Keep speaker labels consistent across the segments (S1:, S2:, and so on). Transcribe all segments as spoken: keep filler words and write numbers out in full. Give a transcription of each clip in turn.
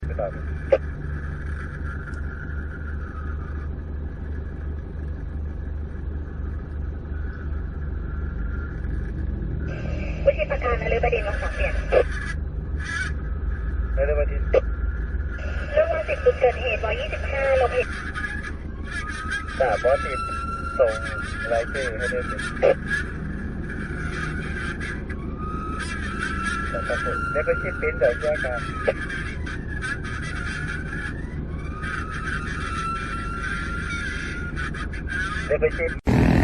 S1: วิธีประการนฤบดินทร์วงสองเปลี่ยนนฤบดินทร์เรื่องวันสิบจุดเกิดเหตุร้อยยี่สิบห้าโลเพจสามร้อยสิบส่งรายชื่อให้ได้สิครับผมแล้วก็ชิปปิ้นเดี๋ยวแจ้งกันแล้วก็ชิป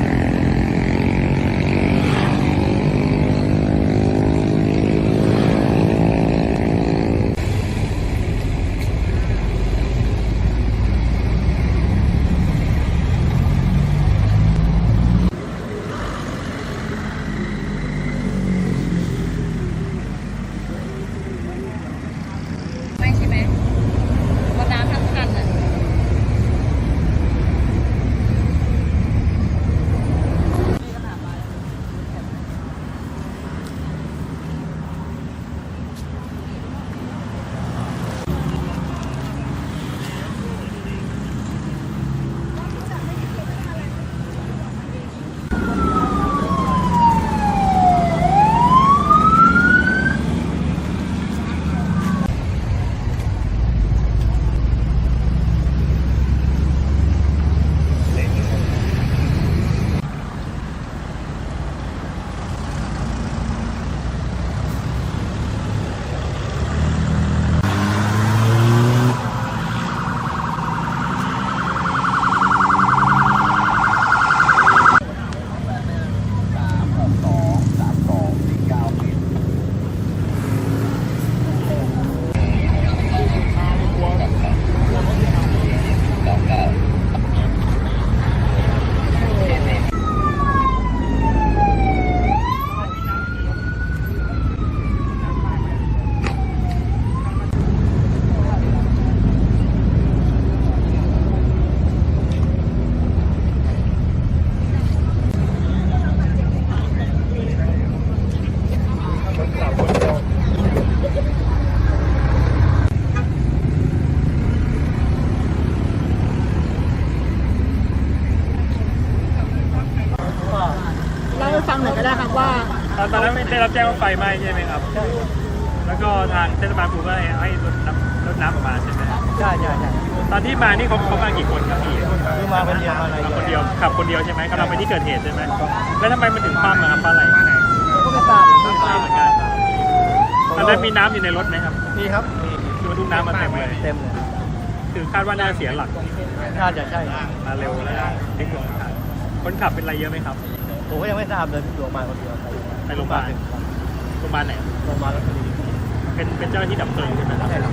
S2: ฟังหน่อยก็ได้ครับว่า
S3: ตอนนั้นได้รับแจ้งว่าไฟไหม้ใช่ไหมครับใช่แล้วก็ทางเทศบาลภูก็ให้ให้รถน้ำรถน้ำออกมาใช่ไหม
S2: ใช่ใช่ใช่
S3: ตอนที่มานี่เขาเขามากี่คนครับพี่
S2: คือมาคนเดียวมา
S3: คนเดียวขับคนเดียวใช่ไหมกำลังไปที่เกิดเหตุใช่ไหมแล้วทำไมมันถึงคว่ำครับเพราะอะไร
S2: ก็ไม่ทราบ
S3: ไม่ทราบเหมือนกันตอนนั้นมีน้ำอยู่ในรถไหมครับ
S2: มีครับมี
S3: คือบรรทุกน้ำมาเต็มเลย
S2: เต็มเลย
S3: คือคาดว่าน่าเสียหลัก
S2: น่าจะใช่
S3: มาเร็วแล้วพลิกลงทางคนขับเป็นอะไรเยอะไหมครับ
S2: ผมก็ยังไม่ทราบเลยโรงพยาบาลคนเดียว
S3: ไปโรงพยาบาลโรงพยาบาลไหน
S2: โรงพยาบาลรัชบุรี
S3: เป็นเป็นเจ้าหน้าที่ดับเพลิงใช่ไหมครับใช่ครับ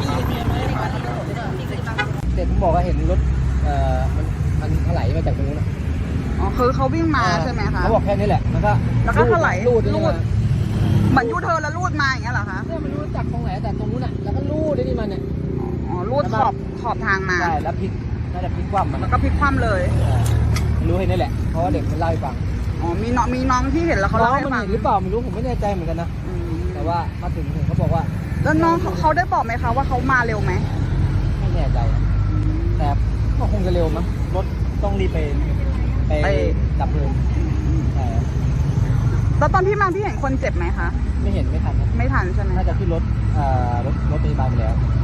S2: เด็กผมบอกว่าเห็นรถเอ่อมันมันถลายมาจากตรงนู้น
S4: อ๋อคือเขาวิ่งมาใช่ไหมคะ
S2: เขาบอกแค่นี้แหละแล้วก็
S4: แล้วก็ถลาย
S2: ลูด
S4: ลูดเหมือนยูเทิร์นแล้วลูดมาอย่างเงี้ยเหรอคะ
S2: เนี่ยมันลูดจากตรงไหนแต่ตรงนู้นอ่ะแล้วก็ลูดได้นี่มันเนี่ย
S4: อ๋อลูดขอบขอบทางมา
S2: ใช่แล้วพลิกน่าจะพลิกคว่ำมัน
S4: แล้วก็พลิกคว่ำเลย
S2: รู้ให้นี่แหละเพราะว่าเด็กมันเล่าให้ฟัง
S4: อ๋อมีน้องมีน้องที่เห็นแล้วเขาเล่าให้ฟัง
S2: หรือเปล่าไม่รู้ผมไม่แน่ใจเหมือนกันนะแต่ว่ามาถึงถึงเขาบอกว่า
S4: แล้วน้องเขาได้บอกไหมคะว่าเขามาเร็วไหม
S2: ไม่แน่ใจแต่ก็คงจะเร็วมั้งรถต้องรีบไปไปดับเพลิงใช่
S4: แล้วตอนพี่มาพี่เห็นคนเจ็บไหมคะ
S2: ไม่เห็นไม่ทัน
S4: ไม่ทันใช่ไหม
S2: น่าจะขึ้นรถเอ่อรถรถพยาบาลไปแล้ว